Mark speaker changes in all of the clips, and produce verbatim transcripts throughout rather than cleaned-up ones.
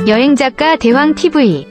Speaker 1: 여행작가 대왕티비.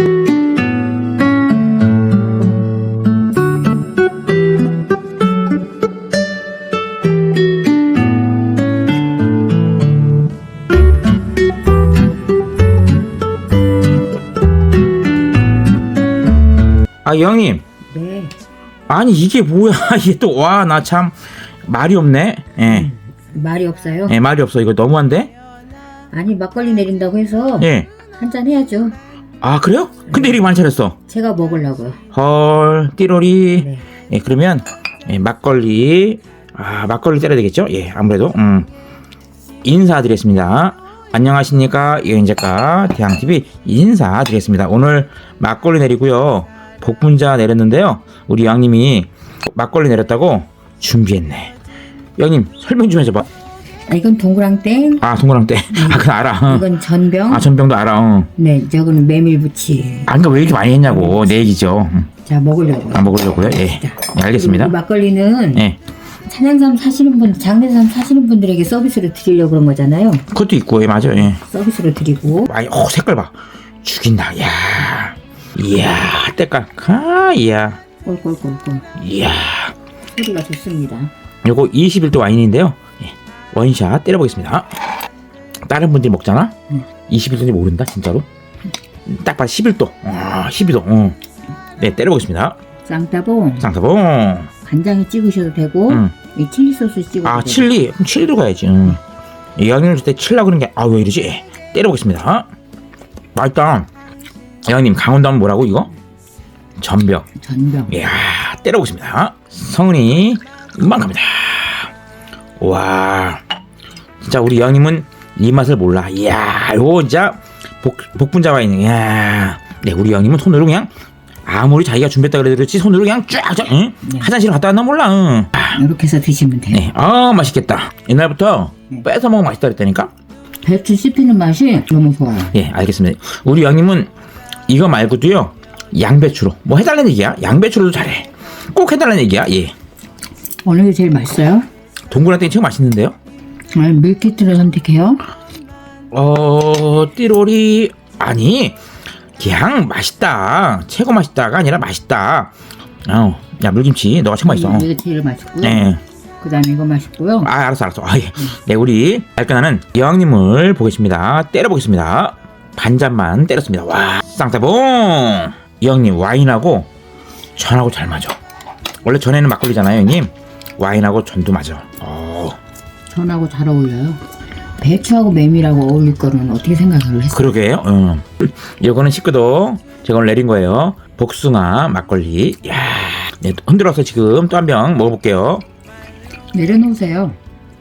Speaker 2: 아, 형님.
Speaker 3: 네.
Speaker 2: 아니, 이게 뭐야? 이게 또, 와, 나 참, 말이 없네. 예.
Speaker 3: 말이 없어요?
Speaker 2: 예, 말이 없어. 이거 너무한데?
Speaker 3: 아니, 막걸리 내린다고 해서
Speaker 2: 예.
Speaker 3: 한잔 해야죠.
Speaker 2: 아, 그래요? 근데 이렇게 많이 차렸어.
Speaker 3: 제가 먹으려고요.
Speaker 2: 헐, 띠로리.
Speaker 3: 네.
Speaker 2: 예, 그러면, 예, 막걸리. 아, 막걸리 때려야 되겠죠? 예, 아무래도, 음. 인사드리겠습니다. 안녕하십니까. 여행작가 대왕티비 인사드리겠습니다. 오늘 막걸리 내리고요. 복분자 내렸는데요. 우리 양님이 막걸리 내렸다고 준비했네. 양님, 설명 좀 해줘봐.
Speaker 3: 아, 이건 동그랑땡.
Speaker 2: 아, 동그랑땡. 아, 그건 알아.
Speaker 3: 이건 전병.
Speaker 2: 아, 전병도 알아. 어.
Speaker 3: 네, 저거는 메밀부치.
Speaker 2: 아, 그러니까 왜 이렇게 많이 했냐고. 내 얘기죠. 음.
Speaker 3: 자, 먹으려고요.
Speaker 2: 아, 먹으려고요? 예.
Speaker 3: 자,
Speaker 2: 예, 알겠습니다.
Speaker 3: 그리고 이 막걸리는
Speaker 2: 예.
Speaker 3: 산양삼 사시는 분, 장례삼 사시는 분들에게 서비스로 드리려고 그런 거잖아요.
Speaker 2: 그것도 있고, 예, 맞아요. 예.
Speaker 3: 서비스로 드리고.
Speaker 2: 와, 어, 색깔 봐. 죽인다. 야. 이야, 때깔. 아, 이야.
Speaker 3: 꼴꼴꼴꼴.
Speaker 2: 이야.
Speaker 3: 소리가 좋습니다.
Speaker 2: 요거 이십일 도 와인인데요. 예. 원샷 때려보겠습니다. 다른 분들이 먹잖아?
Speaker 3: 음.
Speaker 2: 이십일 도인지 모른다, 진짜로. 딱 봐, 십일 도. 아, 십이 도. 어. 네, 때려보겠습니다.
Speaker 3: 쌍따봉.
Speaker 2: 쌍사봉.
Speaker 3: 간장에 찍으셔도 되고,
Speaker 2: 음.
Speaker 3: 이 칠리 소스 찍어도
Speaker 2: 아,
Speaker 3: 되고.
Speaker 2: 칠리. 그럼 칠리로 가야지. 응. 양념 줄 때 칠라 그런 게, 아, 왜 이러지? 때려보겠습니다. 맛있다. 양님, 강원도 하면 뭐라고, 이거? 전병.
Speaker 3: 전병.
Speaker 2: 이야, 때려보겠습니다. 성은이, 음악합니다. 와, 진짜 우리 양님은 이 맛을 몰라. 이야, 요거 진짜 복, 복분자 와인. 이야, 네, 우리 양님은 손으로 그냥 아무리 자기가 준비했다 그래도 그렇지 손으로 그냥 쫙쫙, 응?
Speaker 3: 네.
Speaker 2: 화장실 갔다 왔나 몰라. 응.
Speaker 3: 이렇게 해서 드시면 돼요.
Speaker 2: 네, 아, 맛있겠다. 옛날부터
Speaker 3: 네.
Speaker 2: 뺏어 먹으면 맛있다 그랬다니까.
Speaker 3: 배추 씹히는 맛이 너무 좋아요.
Speaker 2: 예, 알겠습니다. 우리 양님은 이거 말고도요, 양배추로 뭐 해달라는 얘기야. 양배추로도 잘해. 꼭 해달라는 얘기야. 예.
Speaker 3: 어느 게 제일 맛있어요?
Speaker 2: 동그랗게 최고 맛있는데요.
Speaker 3: 아니, 밀키트를 선택해요?
Speaker 2: 어, 띠로리. 아니, 그냥 맛있다. 최고 맛있다가 아니라 맛있다. 어, 야, 물김치 너가 최고 맛있어.
Speaker 3: 이게 제일 맛있고요.
Speaker 2: 네.
Speaker 3: 그 다음에 이거 맛있고요.
Speaker 2: 아, 알았어, 알았어. 아, 예. 네, 우리 발끈하는 여왕님을 보겠습니다. 때려보겠습니다. 반잔만 때렸습니다. 와, 쌍따봉. 여왕님, 와인하고 전하고 잘 맞아. 원래 전에는 막걸리잖아요, 형님. 와인하고 전도 맞아. 어.
Speaker 3: 전하고 잘 어울려요. 배추하고 메밀하고 어울릴 거는 어떻게 생각을 했어요?
Speaker 2: 그러게요. 응. 이거는 십구 도 제가 오늘 내린 거예요. 복숭아 막걸리. 야, 네, 흔들어서 지금 또 한 병 먹어볼게요.
Speaker 3: 내려놓으세요.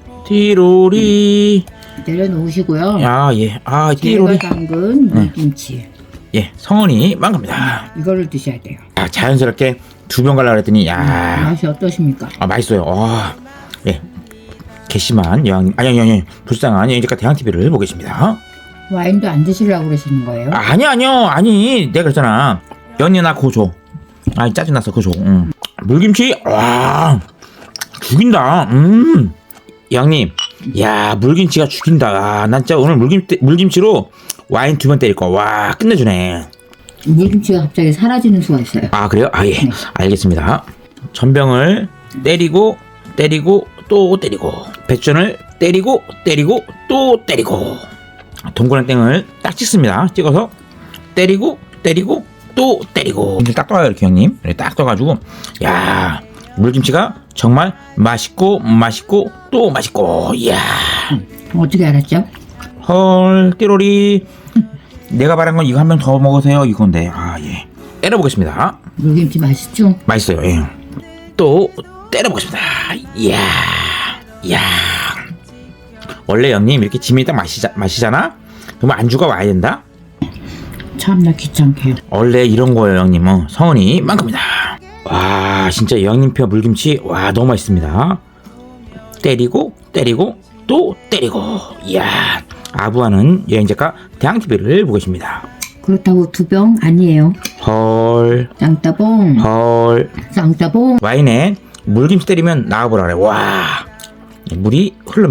Speaker 2: 띠로리.
Speaker 3: 내려놓으시고요.
Speaker 2: 야, 예. 아,
Speaker 3: 제가
Speaker 2: 띠로리.
Speaker 3: 담근
Speaker 2: 네.
Speaker 3: 물김치.
Speaker 2: 예, 성원이 망갑니다.
Speaker 3: 이거를 드셔야 돼요.
Speaker 2: 아, 자연스럽게 두 병 갈라 그랬더니, 야,
Speaker 3: 맛이 어떠십니까?
Speaker 2: 아, 맛있어요. 와, 예. 괘씸한 여왕님, 아니, 아니, 아니, 불쌍한 여행작가 대왕티비를 보고 계십니다.
Speaker 3: 와인도 안 드시려고 그러시는 거예요?
Speaker 2: 아, 아니, 아니요, 아니, 내가 그랬잖아. 연이나 그거 줘. 아, 짜증났어, 그거 줘. 응. 물김치, 와, 죽인다. 음, 양님, 야, 물김치가 죽인다. 아, 난 진짜 오늘 물김 물김치로 와인 두 번 때릴 거. 와, 끝내주네.
Speaker 3: 물김치가 갑자기 사라지는 수가 있어요.
Speaker 2: 아, 그래요? 아, 예, 알겠습니다. 전병을 때리고 때리고 또 때리고 배추전을 때리고 때리고 또 때리고 동그란 땡을 딱 찍습니다. 찍어서 때리고 때리고 또 때리고 이렇게 딱 떠요, 이렇게 형님. 이렇게 딱 떠가지고, 야, 물김치가 정말 맛있고 맛있고 또 맛있고. 이야,
Speaker 3: 어떻게 알았죠?
Speaker 2: 헐, 띠로리. 내가 말한 건 이거 한 병 더 먹으세요, 이건데. 아, 예. 때려보겠습니다.
Speaker 3: 물김치 맛있죠?
Speaker 2: 맛있어요. 예. 또 때려보겠습니다. 이야, 이야. 원래 형님 이렇게 짐이 딱 마시자, 마시잖아? 그러면 안주가 와야 된다?
Speaker 3: 참나 귀찮게.
Speaker 2: 원래 이런 거예요, 형님. 어, 성은이 만큼이다. 와, 진짜 여왕님표 물김치, 와, 너무 맛있습니다. 때리고 때리고 또 때리고. 이야, 아부하는 여행작가 대왕티비를 보고 계십니다.
Speaker 3: 그렇다고 두 병 아니에요.
Speaker 2: 헐,
Speaker 3: 쌍따봉.
Speaker 2: 헐.
Speaker 3: 쌍따봉.
Speaker 2: 와인에 물김치 때리면 나와보라 그래. 와, 물이 흐릅니다.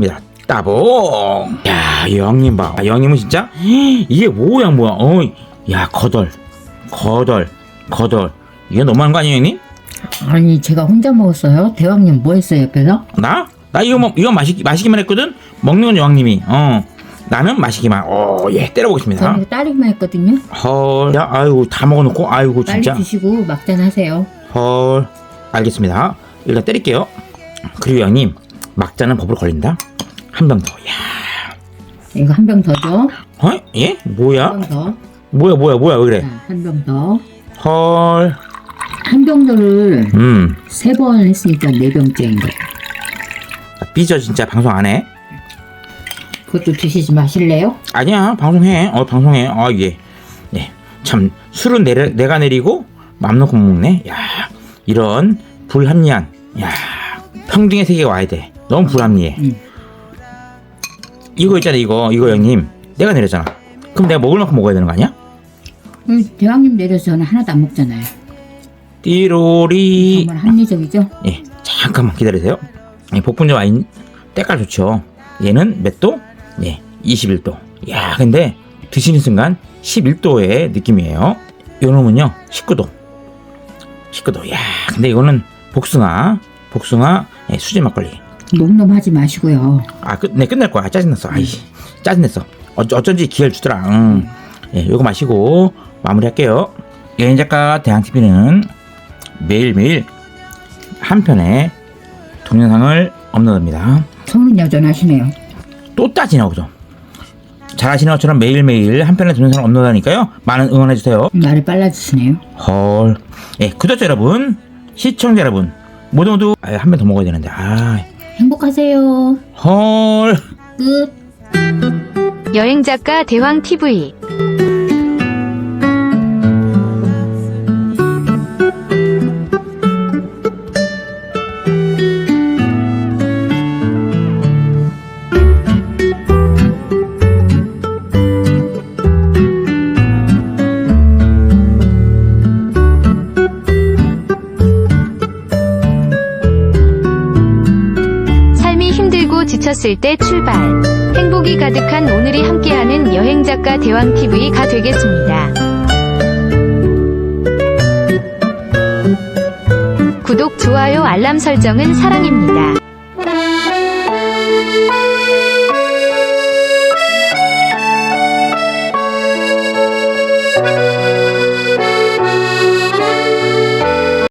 Speaker 2: 따봉. 야, 여왕님 봐. 아, 여왕님은 진짜 이게 뭐야 뭐야. 어, 야 거덜, 거덜, 거덜. 이게 너무한 거 아니에요, 형님?
Speaker 3: 아니 제가 혼자 먹었어요. 대왕님 뭐 했어요 옆에서?
Speaker 2: 나? 나 이거 뭐 이거 마시 마시기만 했거든. 먹는 건 여왕님이. 어, 나는 마시기만. 어, 예, 때려보겠습니다.
Speaker 3: 저는 이거 딸기만 했거든요.
Speaker 2: 헐, 야, 아이고 다 먹어놓고, 아이고
Speaker 3: 빨리
Speaker 2: 진짜.
Speaker 3: 드시고 막잔 하세요.
Speaker 2: 헐, 알겠습니다. 일단 때릴게요. 그리고 형님, 막자는 법으로 걸린다. 한 병 더. 야,
Speaker 3: 이거 한 병 더 줘.
Speaker 2: 어? 예? 뭐야?
Speaker 3: 한 병 더.
Speaker 2: 뭐야, 뭐야, 뭐야, 왜 그래?
Speaker 3: 자, 한 병 더.
Speaker 2: 헐,
Speaker 3: 한 병더를
Speaker 2: 음,
Speaker 3: 세 번 했으니까 네 병째인 거.
Speaker 2: 삐져 진짜 방송 안 해?
Speaker 3: 그것도 드시지 마실래요?
Speaker 2: 아니야, 방송해. 어, 방송해. 아, 예, 예, 참 술은 내려, 내가 내리고 맘 놓고 먹네. 야, 이런 불합리한, 야, 평등의 세계에 와야 돼. 너무 불합리해.
Speaker 3: 응.
Speaker 2: 이거 있잖아, 이거, 이거 형님, 내가 내렸잖아. 그럼 내가 먹을 만큼 먹어야 되는 거 아니야?
Speaker 3: 음, 대왕님 내려서 저는 하나도 안 먹잖아요.
Speaker 2: 띠로리.
Speaker 3: 정말 합리적이죠?
Speaker 2: 예, 잠깐만 기다리세요. 예, 복분자 와인 때깔 좋죠. 얘는 몇 도? 예, 이십일 도. 야, 근데 드시는 순간 십일 도의 느낌이에요. 요놈은요, 십구 도. 십구 도. 야, 근데 이거는 복숭아, 복숭아, 예, 수제 막걸리.
Speaker 3: 놈놈하지 마시고요.
Speaker 2: 아, 끝, 네, 끝낼 거야. 짜증났어. 아이, 짜증냈어. 어, 어쩐지 기회를 주더라. 음. 예, 요거 마시고 마무리할게요. 여행작가 대항티비는 매일매일 한 편의 동영상을 업로드합니다.
Speaker 3: 성은 여전하시네요.
Speaker 2: 또 따지나 보죠. 잘하시는 것처럼 매일매일 한 편의 동영상을 업로드하니까요. 많은 응원해주세요.
Speaker 3: 말이 빨라지시네요.
Speaker 2: 헐. 예, 구독자 여러분, 시청자 여러분, 모두 모두 한 편 더 먹어야 되는데. 아,
Speaker 3: 행복하세요.
Speaker 2: 헐.
Speaker 3: 끝.
Speaker 1: 여행작가 대왕티비. 삶이 힘들고 지쳤을 때 출발. 행복이 가득한 오늘이 함께하는 여행작가 대왕티비가 되겠습니다. 구독, 좋아요, 알람 설정은 사랑입니다.